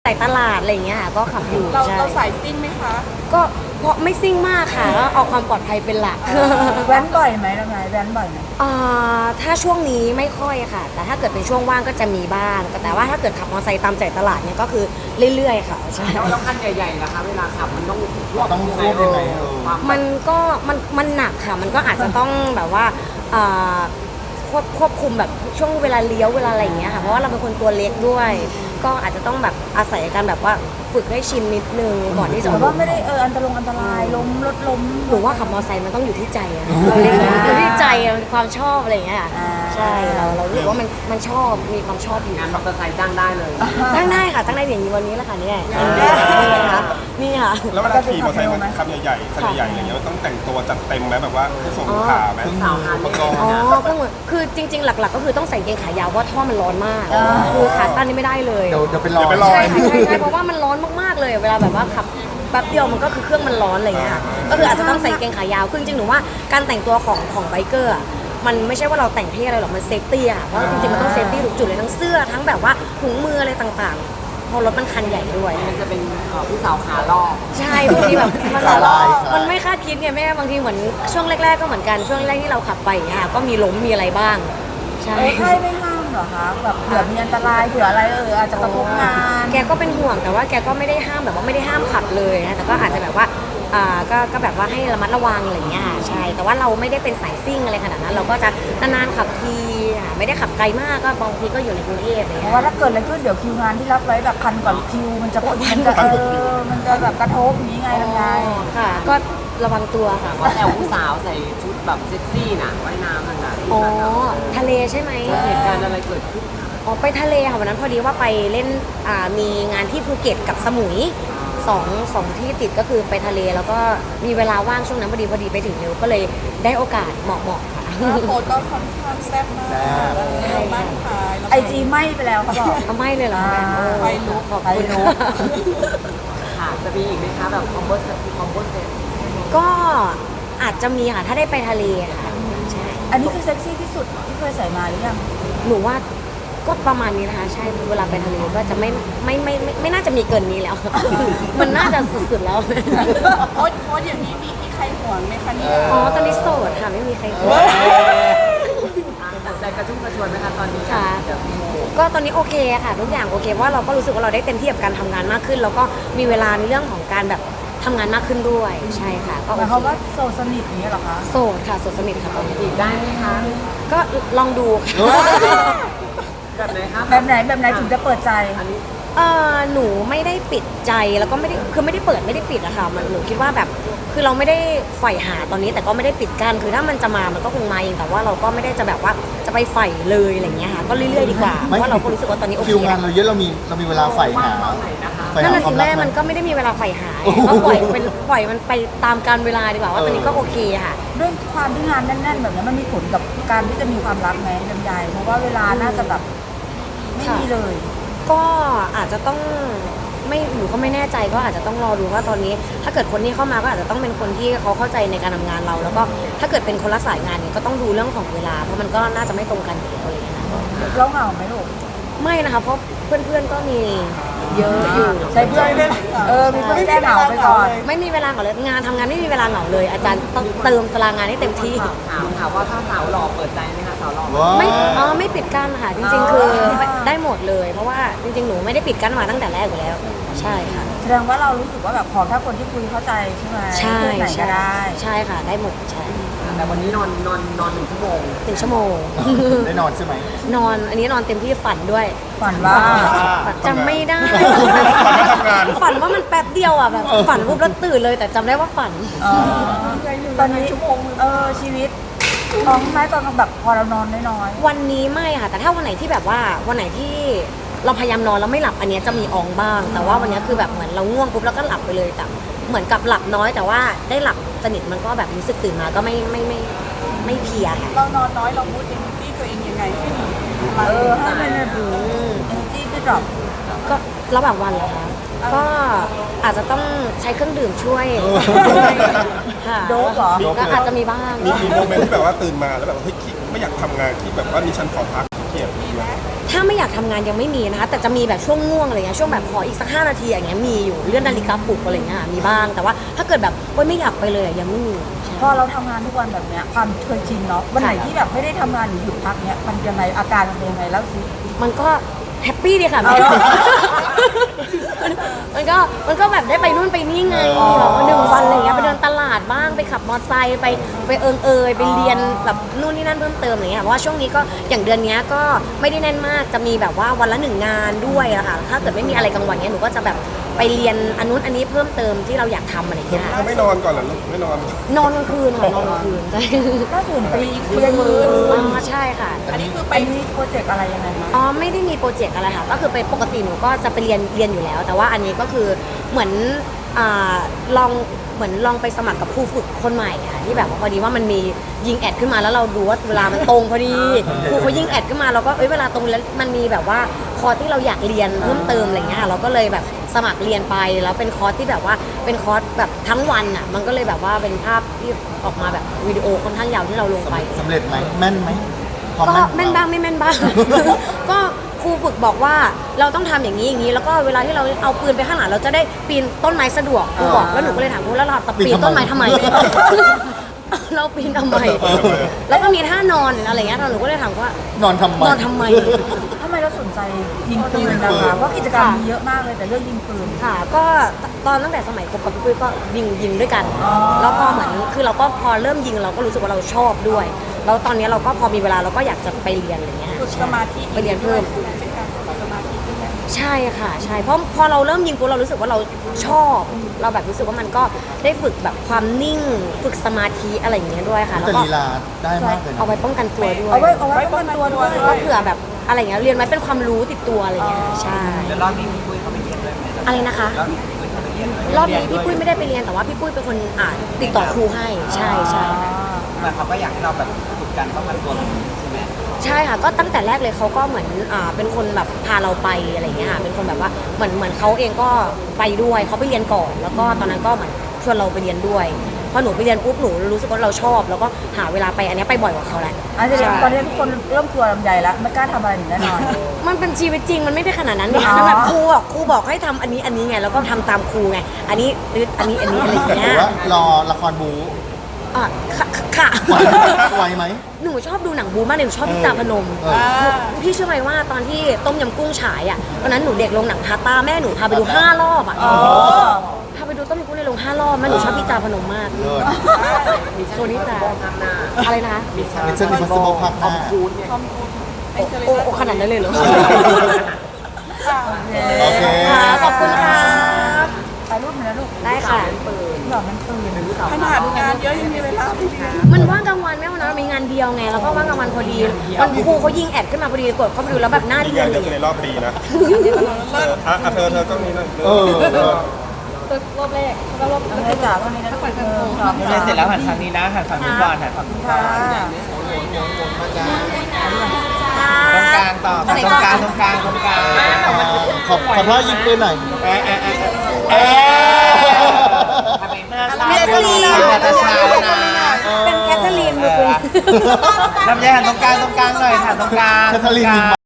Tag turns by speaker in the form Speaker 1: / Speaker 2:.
Speaker 1: ายตลาดอะไรอย่างเงี้ยค่ะก็ขับอยู่ใช่
Speaker 2: เราสายซิ่งไหมคะ
Speaker 1: ก็เพราะไม่ซิ่งมากค่ะก็เอาความปลอดภัยเป็นหลัก
Speaker 3: แว้นบ่อยไหมน้องนายแว้นบ่อยไหม
Speaker 1: ถ้าช่วงนี้ไม่ค่อยค่ะ แต่ถ้าเกิดเป็นช่วงว่างก็จะมีบ้างแต่ว่าถ้าเกิดขับมอเตอร์ไซค์ตามใจตลาดเนี่ยก็คือเรื่อยๆค่ะใช่
Speaker 4: แล้วคันใหญ่ๆนะคะเวลาขับมันต้อง
Speaker 5: ต้องควบยังไง
Speaker 4: ความ
Speaker 1: มันก็มันหนักค่ะมันก็อาจจะต้องแบบว่าอ่าควบคุมแบบช่วงเวลาเลี้ยวเวลาอะไรอย่างเงี้ยค่ะเพราะว่าเราเป็นคนตัวเล็กด้วย ก็อาจจะต้องแบบอาศัยการแบบว่าฝึกให้ชินนิดนึงก่อนที่จะ
Speaker 3: แต่ว่าไม่ได้อันตรายล้มรถล้ม
Speaker 1: หรือว่าขับมอเตอร์ไซค์มันต้องอยู่ที่ใจอะเราเรียกอยู่ที่ใจอะความชอบอะไรอย่างเงี้ยค่ะใช่เรารู้สึกว่ามันชอบมีความชอบอยู่
Speaker 4: งานมอเตอร์ไซค์จ้างได้เลย
Speaker 1: ตั้งได้ค่ะตั้งได้อย่างนี้วันนี้แหละค่ะเนี่ยนี่ค่ะ
Speaker 5: แล้วเวลาขี่มอเตอร์ไซค์ขับใหญ่ๆคันใหญ่ๆอะไรเงี้ยมันต้องแต่งตัวจัดเต็มไหมแบบว่าให้สมขาไหม
Speaker 4: สาวฮาร์เลย์
Speaker 1: อ๋อก็เหมือนคือจริงๆหลักๆก็คือต้องใส่กางเกงขายาวเพราะท่อมันร้อนมากคือขาสั้นนี่ไม่ได้เลย
Speaker 5: เดี๋ยวเป็นรอย
Speaker 1: ใช่ใช่เพราะว่ามันร้อนมากๆเลยเวลาแบบว่าขับแป๊บเดียวมันก็คือเครื่องมันร้อนอะไรอย่างเงี้ยค่ะก็คืออาจจะต้องใส่กางเกงขายาวคือจริงๆหนูว่าการแต่งตัวของไบเกอร์มันไม่ใช่ว่าเราแต่งเท่อะไรหรอกมันเซฟตี้อะเพราะจริงๆมันต้องเซฟตี้ทุกจุดเลยทั้งเสื้อทั้งแบบว่าถุงมืออะไรต่างๆเพอรถมันคันใหญ่ด้วย
Speaker 4: มันจะเป็นผู้สาวขาลอก
Speaker 1: ใช่บางทีแบบมัน
Speaker 5: ขาลาย
Speaker 1: มันไม่คาดคิดไงแม่บางทีเหมือนช่วงแรกๆก็เหมือนกันช่วงแรกที่เราขับไปอย่างเงี้ยค่ะก็มีล้มมีอะไรบ้างใช่
Speaker 3: ใช่ไม่ห้ามเหรอคะแบบเผื่อมีอันตรายเผื่ออะไรอาจจะกระทบงาน
Speaker 1: แกก็เป็นห่วงแต่ว่าแกก็ไม่ได้ห้ามแบบว่าไม่ได้ห้ามขับเลยนะแต่ก็อาจจะแบบว่าก็แบบว่าให้ระมัดระวังอะไรอย่างเงี้ยใช่แต่ว่าเราไม่ได้เป็นสายซิ่งอะไรขนาดนั้นเราก็จะนานๆขับทีไม่ได้ขับไกลมากก็บางทีก็อยู่ในกรุงเทพอะไร
Speaker 3: เพ
Speaker 1: เงี้
Speaker 3: ราะ
Speaker 1: ย
Speaker 3: ว่าถ้าเกิดอะไรขึ้นเดี๋ยวคิวงานที่รับไว้แบบคันก่อนคิวมันจะแบบกระทบอย่างนี้ไงลำไย
Speaker 1: ค่ะ ก็ระวังตัวค่ะ
Speaker 4: ว่าแต่ผู้สาวใส่ชุดแบบเซ็กซี่น่ะว่ายน้ำนั่นน่ะ
Speaker 1: อ๋อทะเลใช่ไหม
Speaker 4: เหตุการณ์อะไรเกิดขึ้น
Speaker 1: อ๋อไปทะเลค่ะวันนั้นพอดีว่าไปเล่นมีงานที่ภูเก็ตกับสมุยสองที่ติดก็คือไปทะเลแล้วก็มีเวลาว่างช่วงนั้นพอดีไปถึงเร็วก็เลยได้โอกาสเหมาะค่ะ
Speaker 2: โพสก็ค่อนข้างแซ่บมากบ้านขาย
Speaker 3: ไอจีไหม้ไปแล้วเขาบอก
Speaker 1: เอาไม่เลยเหรอ
Speaker 2: ไฟลุก
Speaker 1: ขอบ
Speaker 3: ไฟ
Speaker 1: คุณ
Speaker 3: ลุก
Speaker 4: ค่ะจะมีอีกไหมคะแบบคอมโบเซ็ต
Speaker 1: ก็อาจจะมีค่ะถ้าได้ไปทะเลค่ะใช่
Speaker 3: อันนี้คือเซ็กซี่ที่สุดที่เคยใส่มาหรือยัง
Speaker 1: หนูว่าก็ประมาณนี้นะคะใช่เวลาไปทะเลก็จะไม่น่าจะมีเกินนี้แล้ว มันน่าจะสุดๆแล้ว
Speaker 2: โพสอย่างนี้มีใครห่วงไหมคะเนี่ย
Speaker 1: อ๋อตอนนี้โสดค่ะไม่มีใครคุย
Speaker 4: ใจกระชุ่มกระชวยไหมคะตอนนี้
Speaker 1: ค่ะ ก็ตอนนี้โอเคค่ะทุกอย่างโอเคเพราะว่าเราก็รู้สึกว่าเราได้เต็มที่กับการทำงานมากขึ้น แล้วก็มีเวลาในเรื่องของการแบบทำงานมากขึ้นด้วยใช่ค่ะก็
Speaker 3: หมายความว่าโซสนิทอย่างนี้เหรอคะ
Speaker 1: โสดค่ะโสดสนิทค่ะตอนนี้
Speaker 4: จีบได้ไหมคะ
Speaker 1: ก็ลองดูค่ะ
Speaker 4: แบบไหนคะ
Speaker 3: แบบไหนถึงจะเปิดใจ
Speaker 4: อันนี้
Speaker 1: หนูไม่ได้ปิดใจแล้วก็ไม่ได้คือไม่ได้เปิดไม่ได้ปิดอะค่ะมันหนูคิดว่าแบบคือเราไม่ได้ใฝ่หาตอนนี้แต่ก็ไม่ได้ปิดกั้นคือถ้ามันจะมามันก็คงมาเองแต่ว่าเราก็ไม่ได้จะแบบว่าจะไปใฝ่เลยอะไรเงี้ยค่ะก็เรื่อยๆดีกว่าเพราะว่าเราก็รู้สึกว่าตอนนี้โอเค
Speaker 5: คิวงานเราเยอะเรามีเวลาใฝ่หา
Speaker 4: ตอนไหนนะคะ
Speaker 5: ใฝ่
Speaker 1: นั่น
Speaker 5: หา
Speaker 1: น่ะ
Speaker 5: ค
Speaker 1: สิ
Speaker 5: วามรั
Speaker 1: แม่
Speaker 5: กไหม
Speaker 1: มันก็ไม่ได้มีเวลาใฝ่หาก็ปล่อยมันไปตามกาลเวลาดีกว่าว่าตอนนี้ก็โอเคค่ะ
Speaker 3: ด้วยความที่งานแน่นๆแบบนี้มันมีผลกับการที่จะมีความรักไหมลำไยเพราะว่าเวลาน่าจะแบบไม่มีเลย
Speaker 1: ก็อาจจะต้องไม่หนูก็ไม่แน่ใจก็อาจจะต้องรอดูว่าตอนนี้ ถ้าเกิดคนที่เข้ามาก็อาจจะต้องเป็นคนที่เขาเข้าใจในการทำงานเรา แล้วก็ถ้าเกิดเป็นคนละสายงานเนี่ยก็ต้องดูเรื่องของเวลาเพราะมันก็น่าจะไม่ตรงกันอยู่แล้วอะไรอย่างเงี้ยค่ะ
Speaker 3: เราเหงาไหมลูก
Speaker 1: ไม่นะคะเพราะเพื่อนๆก็มีเยอะอยู่
Speaker 3: ใช้เพื่อนมีเพื่อนแก้เหงาไปก่อน
Speaker 1: ไม่มีเวลาเหงาเลยงานทำงานไม่มีเวลาเหงาเลย อาจารย์ต้องเติมตารางงานให้เต็มที่
Speaker 4: ถามค่ะว่าถ้าสาวหล่อเปิดใจไหมคะสาวหล่อ
Speaker 5: ว้า
Speaker 1: ไม่ปิดกั้นค่ะจริงๆ คือได้หมดเลย เพราะว่าจริงๆหนูไม่ได้ปิดกั้นมาตั้งแต่แรกอยู่แล้ว ใช่ค่ะ
Speaker 3: แสดงว่าเรารู้สึกว่าแบบขอถ้าคนที่คุยเข้าใจใช่ไหม
Speaker 1: ใช่
Speaker 3: เพื่อนไหนก็ได้
Speaker 1: ใช่ค่ะได้หมดใช่
Speaker 4: แต่วันนี้นอน1 ชั่วโมง
Speaker 1: เป็นชั่วโมง
Speaker 5: ได้นอนใช่ไหม
Speaker 1: นอนอันนี้นอนเต็มที่ฝันด้วย
Speaker 3: ฝันว่า
Speaker 1: จำไม่ได้
Speaker 5: ทำงาน
Speaker 1: ฝันว่ามันแป๊บเดียวอ่ะแบบฝันปุ๊บแล้วตื่นเลยแต่จำได้ว่าฝัน
Speaker 3: ตอนนี้ชีวิตท้องไหมตอนแบบพอเรานอนน้อย
Speaker 1: วันนี้ไม่ค่ะ แต่ถ้าวันไหนที่แบบว่าวันไหนที่เราพยายามนอนแล้วไม่หลับอันเนี้ยจะมีอองบ้าง แต่ว่าวันเนี้ยคือแบบเหมือนเราง่วงปุ๊บแล้วก็หลับไปเลยแต่เหมือนกับหลับน้อย แต่ว่าได้หลับสนิทมันก็แบบรู้สึกตื่นมาก็ไม่เพลียค่ะ
Speaker 2: เรานอนน้อยเราพูดเองที่ตัวเองยังไงให้ดี
Speaker 3: ให้มันแบบ
Speaker 1: อืม
Speaker 3: energy ก็ drop
Speaker 1: ก็ระหว่างวันเหรอคะก็อาจจะต้องใช้เครื่องดื่มช่วยค่ะ
Speaker 3: โดปเหรอ
Speaker 1: ก็อาจจะมีบ้าง
Speaker 5: มีโมเมนต์ที่แบบว่าตื่นมาแล้วแบบเฮ้ยไม่อยากทำงานที่แบบว่ามีฉันขอพักเกียด
Speaker 1: คถ้าไม่อยากทำงานยังไม่มีนะคะแต่จะมีแบบช่วงง่วงอะไรเงี้ยช่วงแบบขออีกสัก5 นาทีอย่างเงี้ยมีอยู่เลื่อนนาฬิกาปลุกอะไรเงี้ยมีบ้างแต่ว่าถ้าเกิดแบบโอ๊ยไม่อยากไปเลยอะยังไม่มี
Speaker 3: พอเราทำงานทุกวันแบบเนี้ยความเคยชินเนาะวันไหนที่แบบไม่ได้ทำงานหรือหยุดพักเนี้ยมันยังไงอาการมันเป็นยังไงแล้วสิ
Speaker 1: มันก็แฮปปี้ดีค่ะ
Speaker 3: เอาเหรอ
Speaker 1: มันก็แบบได้ไปนู่นไปนี่ไงแบบว่า1 วันอะไรเงี้ยไปเดินตลาดบ้างไปขับมอเตอร์ไซค์ไปไปเรียนแบบนู่นนี่นั่นเพิ่มเติมอะไรเงี้ยเพราะว่าช่วงนี้ก็อย่างเดือนนี้ก็ไม่ได้แน่นมากจะมีแบบว่าวันละ1 งานด้วยอะค่ะถ้าเกิดไม่มีอะไรกลางวันเนี้ยหนูก็จะแบบไปเรียนอันนู้นอันนี้เพิ่มเติมที่เราอยากทำอะไรเงี้ย
Speaker 5: ถ้าไม่นอนก่อนเหรอลูกไม่นอน
Speaker 1: นอนกลางคืนค่ะนอนกลางคืนใช่
Speaker 3: ล่าสุดไปเรียนมือ
Speaker 1: อ๋อใช่ค่ะ
Speaker 2: อันนี้คือไป
Speaker 3: ไปมีโปรเจกต์อะไรยังไงคะ
Speaker 1: อ๋อไม่ได้มีโปรเจกต์อะไรค่ะก็คือเป็นปกติหนูก็จะไปเรียนอยู่แล้ว แต่ว่าอันนี้ก็คือเหมือนลองไปสมัครกับครูฝึกคนใหม่ค่ะที่แบบว่าพอดีว่ามันมียิงแอดขึ้นมาแล้วเราดูว่าเวลามันตรงพอดีครูเขายิงแอดขึ้นมาเราก็เวลาตรงแล้วมันมีแบบว่าคอร์สที่เราอยากเรียนเพิ่มเติมอะไรเงี้ยเราก็เลยแบบสมัครเรียนไปแล้วเป็นคอร์สที่แบบว่าเป็นคอร์สแบบทั้งวันอ่ะมันก็เลยแบบว่าเป็นภาพที่ออกมาแบบวิดีโอค่อนข้างยาวที่เราลงไป
Speaker 6: สำเร็จไหมแม่นไหมความ
Speaker 1: ก็
Speaker 6: แม่น
Speaker 1: แม่นบ้างไม่แม่นบ้าง ก็ครูฝึกบอกว่าเราต้องทำอย่างนี้อย่างนี้แล้วก็เวลาที่เราเอาปืนไปข้างหลังเราจะได้ปีนต้นไม้สะดวกครูบอกแล้วหนูก็เลยถามครูแล้วเราจะปีนต้นไม้ทำไม เราปีนทำไม แล้วก็มีท่านอนอะไรเงี้ยหนูก็เลยถามว่าน
Speaker 6: อนทำไม
Speaker 1: นอนทำไม
Speaker 3: ทำไมเราสนใจยิงปืนนะคะเพราะกิจกรรมมีเยอะมากเลยแต่เรื่องยิงปืน
Speaker 1: ค่ะก็ตอนตั้งแต่สมัยคบกับพี่ปุ้ยก็ยิงด้วยกัน
Speaker 3: อ๋อ
Speaker 1: แล้วพอเหมือนคือเราก็พอเริ่มยิงเราก็รู้สึกว่าเราชอบด้วยแล้วตอนนี้เราก็พอมีเวลาเราก็อยากจะไปเรียนอะไรเงี้ย
Speaker 2: ฝึกสมาธิ
Speaker 1: ไปเรียนเพิ่ม
Speaker 2: เป็นการฝึกสมาธิด้วย
Speaker 1: ใช่ค่ะใช่เพราะพอเราเริ่มยิงปุ๊บเรารู้สึกว่าเราชอบเราแบบรู้สึกว่ามันก็ได้ฝึกแบบความนิ่งฝึกสมาธิอะไรอย่างเงี้ยด้วยค่ะแล้ว
Speaker 6: แต่
Speaker 1: ก็
Speaker 6: ลีลาได้มากเลยนะ
Speaker 1: เอาไว้ป้องกันตัวด้วย
Speaker 3: เอาไว้ป้องกันตัวด้วย
Speaker 1: ก็เผื่อแบบอะไรอย่างเงี้ยเรียนไว้เป็นความรู้ติดตัวอะไรอย่างเงี้ยใช่
Speaker 4: แล้วรอบนี้พี่ปุ้ยเขาไปเรียนด้วยไหม
Speaker 1: อะไรนะคะ
Speaker 4: รอบนี้พี่ปุ้ยเขาไปเรียนด้วย
Speaker 1: รอบนี้พี่ปุ้ยไม่ได้ไปเรียนแต่ว่าพี่ปุ้ยเป็นคนติดต่อครูให้ใช่ใช่
Speaker 4: เหมือนเขาก็อยากให้เราแบบฝึกการป้องกันตัวใช่ไหม
Speaker 1: ใช่ค่ะก็ตั้งแต่แรกเลยเขาก็เหมือนเป็นคนแบบพาเราไปอะไรอย่างเงี้ยค่ะเป็นคนแบบว่าเหมือนเขาเองก็ไปด้วยเขาไปเรียนก่อนแล้วก็ตอนนั้นก็เหมือนชวนเราไปเรียนด้วยพอหนูไปเรียนปุ๊บหนูรู้สึกว่าเราชอบ แล้วก็หาเวลาไปอันเนี้ยไปบ่อยกว่าเขาแหละ
Speaker 3: อาจจะ
Speaker 1: ใช่
Speaker 3: ตอนนี้ทุกคนเริ่มกลัวลำไยแล้วไม่กล้าทำอะไรหนูแน่นอน
Speaker 1: มันเป็นชีวิตจริงมันไม่ได้ขนาดนั้นนี่
Speaker 3: อ๋อ
Speaker 1: นั่นแบบครูบอกให้ทำอันนี้ไงแล้วก็ทำตามครูไงอันนี้อันนี้อะไรอย่าง
Speaker 6: ห
Speaker 1: เงี้
Speaker 6: รื
Speaker 1: ย
Speaker 6: อว่ารอละครบู
Speaker 1: ค่ะ
Speaker 6: ไหวไหม
Speaker 1: หนูชอบดูหนังบูมากเลยหนูชอบพี่จาพนม
Speaker 6: เออ
Speaker 1: พี่เชื่อไหมว่าตอนที่ต้มยำกุ้งฉายอ่ะตอนนั้นหนูเด็กลงหนังพาต้าแม่หนูพาไปดู5 รอบอ่ะพาไปดูต้มยำกุ้งในโรง5 รอบแม่หนูชอบพี่จาพนมมาก
Speaker 6: เลิศ
Speaker 1: โชว์นี้จ้า
Speaker 4: ภาคหน้า
Speaker 1: อะไรนะ
Speaker 6: Mission Impossible ภาคหน้า
Speaker 4: คูณเนี่ย
Speaker 1: โอ้ขนาดนั้นเลยเหรอ
Speaker 6: โอเค
Speaker 1: ค่ะขอบคุณค่ะ
Speaker 3: ถ่ายรูปหน่อยนะลูก
Speaker 1: ได้ค่ะ
Speaker 3: หลอกมันปืน
Speaker 2: ขนาดงานเยอะยังมีเวลาไปเรียน
Speaker 1: มันว่างกลางวันไม่วันนั้นมีงานเดียวไงแล้วก็ว่างกลางวันพอดีวันครูเขายิงแอดขึ้นมาพอดีกดเข้าไปดูแล้วแบบหน้า
Speaker 5: นี่
Speaker 1: เรีย
Speaker 5: งาน น
Speaker 1: เล
Speaker 5: เดียวย ในรอบปีนะเธอต้องนี้นะ
Speaker 6: เออ
Speaker 3: เอาเลยจ้าวันนี้นะทุกคนสอบ
Speaker 4: เรียนเสร็จแล้วหันทางนี้นะหันฝั่งนี้ก่อนหันฝั่งนี้ก่
Speaker 3: ค่ะ
Speaker 4: อนตรงกลางต่อตรงกลางตรงกลางตรงกลาง
Speaker 6: ขอท่ายิงปืนหน่อย
Speaker 1: แคทเธอรีน
Speaker 4: นาตาชาแล้วนะ
Speaker 1: เป็นแคทเธอรีนมือปืน
Speaker 4: ลำไยหันตรงกลางหน่อยหันตรงกลาง
Speaker 6: แคทเธอรีนยิง